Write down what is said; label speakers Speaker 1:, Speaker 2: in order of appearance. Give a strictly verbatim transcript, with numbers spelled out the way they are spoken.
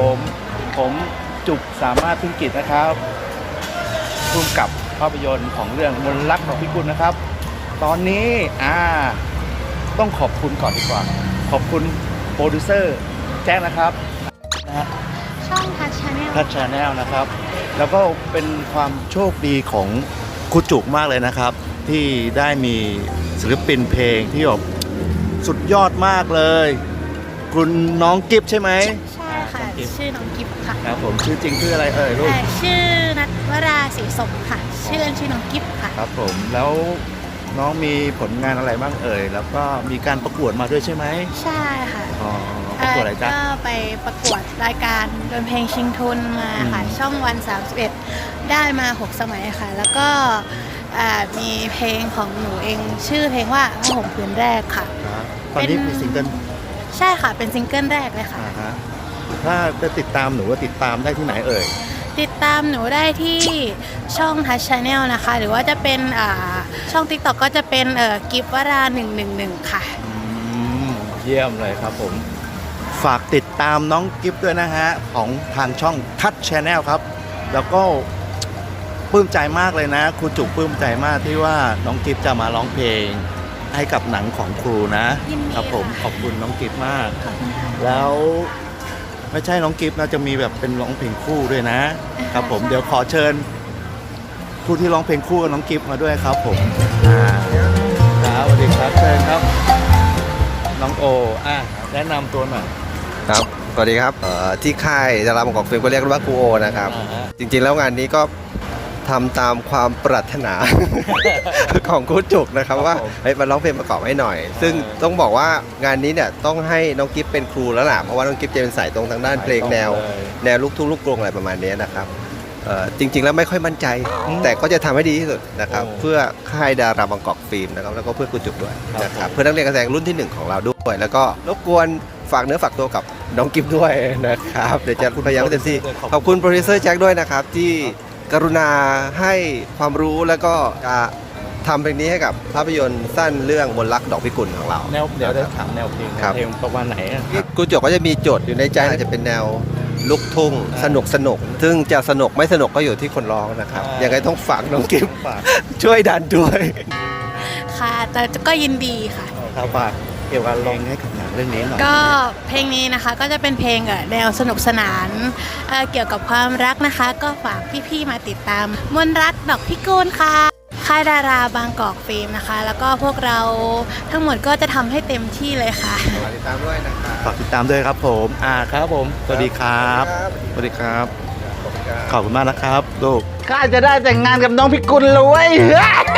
Speaker 1: ผมผมจุกสามารถพึ่งกิจนะครับร่วมกับภาพยนตร์ของเรื่องมนต์รักดอกพิกุลนะครับตอนนี้อ่าต้องขอบคุณก่อนดีกว่าขอบคุณโปรดิวเซอร์แจ้งนะครับนะฮะ
Speaker 2: ช่องทัชชาแนล
Speaker 1: ทัชชาแนลนะครับแล้วก็เป็นความโชคดีของครูจุกมากเลยนะครับที่ได้มีศิลปินเพลงที่แบบสุดยอดมากเลยคุณน้องกิฟใช่ไหม
Speaker 2: ใช่ค่ะ ชื่อน้องกิฟค่ะ
Speaker 1: ครับผมชื่อจริงชื่ออะไรเอ่ยลูก
Speaker 2: เอ่อชื่อนัทวราศรีสมค่ะ ชื่อเล่นชื่อน้องกิฟค่ะ
Speaker 1: ครับผมแล้วน้องมีผลงานอะไรบ้างเอ่ยแล้วก็มีการประกวดมาด้วยใช่ไหม
Speaker 2: ใช่ค่ะ
Speaker 1: อ๋อประกวดอะไรจ๊ะ
Speaker 2: ก็ไปประกวดรายการดนเพลงชิงทุนมาค่ะ
Speaker 1: อืม
Speaker 2: ช่องวันสามสิบเอ็ดได้มาหกสมัยค่ะ แล้วก็อ่ามีเพลงของหนูเองชื่อเพลงว่าผ้าห่มผืนแรกค่ะ
Speaker 1: ครับตอนนี้
Speaker 2: เป็น
Speaker 1: มีซิงเกิล
Speaker 2: ใช่ค่ะเป็นซิงเกิลแรกเลยค่ะ
Speaker 1: อ่าฮะถ้าจะติดตามหนูว่าติดตามได้ที่ไหนเอ่ย
Speaker 2: ติดตามหนูได้ที่ช่องทัชชาแนลนะคะ หรือว่าจะเป็นอ่าช่อง ติ๊กต็อก ก็จะเป็นเอ่อกิฟวราหนึ่งหนึ่งหนึ่งค่ะ
Speaker 1: อืมเยี่ยมเลยครับผม ฝากติดตามน้องกิฟต์ด้วยนะฮะ ของทางช่องทัชชาแนลครับ แล้วก็ปลื้มใจมากเลยนะ ครูจุกปลื้มใจมากที่ว่าน้องกิฟต์จะมาร้องเพลงให้กับหนังของครูนะ
Speaker 2: ยินดี
Speaker 1: ครับผม
Speaker 2: ค่ะ
Speaker 1: ขอบคุณน้องกิฟต์มาก
Speaker 2: ขอบคุณค่ะ
Speaker 1: แล้วไม่ใช่น้องกิฟต์นะจะมีแบบเป็นร้องเพลงคู่ด้วยนะ ครับผมเดี๋ยวขอเชิญผู้ที่ร้องเพลงคู่กับน้องกิฟต์มาด้วยครับผมอ่าครับสวัสดีครับเชิญครับ น้องโออ่ะแนะนำตัวหน่อย
Speaker 3: ครับ สวัสดีครับเอ่อที่ค่ายดาราบางกอกฟิล์มก็เรียกว่าครูโอนะครับ
Speaker 1: อ่าฮะ
Speaker 3: จริงๆแล้วงานนี้ก็ทำตามความปรารถนา ของครูจุกนะครับว่าเฮ้ยมาร้องเพลงประกอบให้หน่อย ซึ่งต้องบอกว่างานนี้เนี่ยต้องให้น้องกิฟเป็นครูแล้วล่ะเพราะว่าน้องกิฟจะเป็นสายตรงทางด้านเพลงแนว แนวลูกทุ่งลูกกรุงอะไรประมาณนี้นะครับเอ่อจริงๆแล้วไม่ค่อยมั่นใจ แต่ก็จะทำให้ดีที่สุดนะครับเพื่อค่ายดาราบางกอกฟิล์มนะครับแล้วก็เพื่อครูจุกด้วยนะครับเพื่อนักเรียนการแสดงรุ่นที่หนึ่งของเราด้วยแล้วก็รบกวนฝากเนื้อฝากตัวกับน้องกิฟด้วยนะครับเดี๋ยวจะพยายามให้เต็มที่ขอบคุณโปรดิวเซอร์แจ็คด้วยนะครับที่กรุณาให้ความรู้แล้วก็จะทำเพลงนี้ให้กับภาพยนตร์สั้นเรื่องมนต์รักดอกพิกุลของเรา
Speaker 1: แนวเดี๋ยวได้ถามแนวเพลง
Speaker 3: ครับ
Speaker 1: เพลงประมาณไหนอะ
Speaker 3: ครูจุกก็จะมีโจทย์อยู่ในใจอาจจะเป็นแนวลูกทุ่งสนุกสนุกซึ่งจะสนุกไม่สนุกก็อยู่ที่คนร้องนะครับยังไงต้องฝากน้องกิฟ
Speaker 1: ฝาก
Speaker 3: ช่วยดันด้วย
Speaker 2: ค่ะ แต่ก็ยินดีค่ะ
Speaker 1: ครับฝากเกี่ยวกับร้องให้กับหนังเรื่องนี้หน่อย
Speaker 2: ก็เพลงนี้นะคะก็จะเป็นเพลงเอ่อแนวสนุกสนานเอ่อเกี่ยวกับความรักนะคะ ก็ฝากพี่ๆมาติดตามมนต์รักดอกพิกุลค่ะค่ายดาราบางกอกฟิล์มนะคะ แล้วก็พวกเราทั้งหมดก็จะทำให้เต็มที่เลยค่ะ
Speaker 3: ฝากติดตามด้วยนะครับ
Speaker 1: ฝากติดตามด้วยครับผมอ่าครับผมสวัสดีครับสวัสดีครับ ขอบคุณมากนะครับลูก
Speaker 4: ข้าจะได้แต่งงานกับน้องพิกุลเลยเว้ย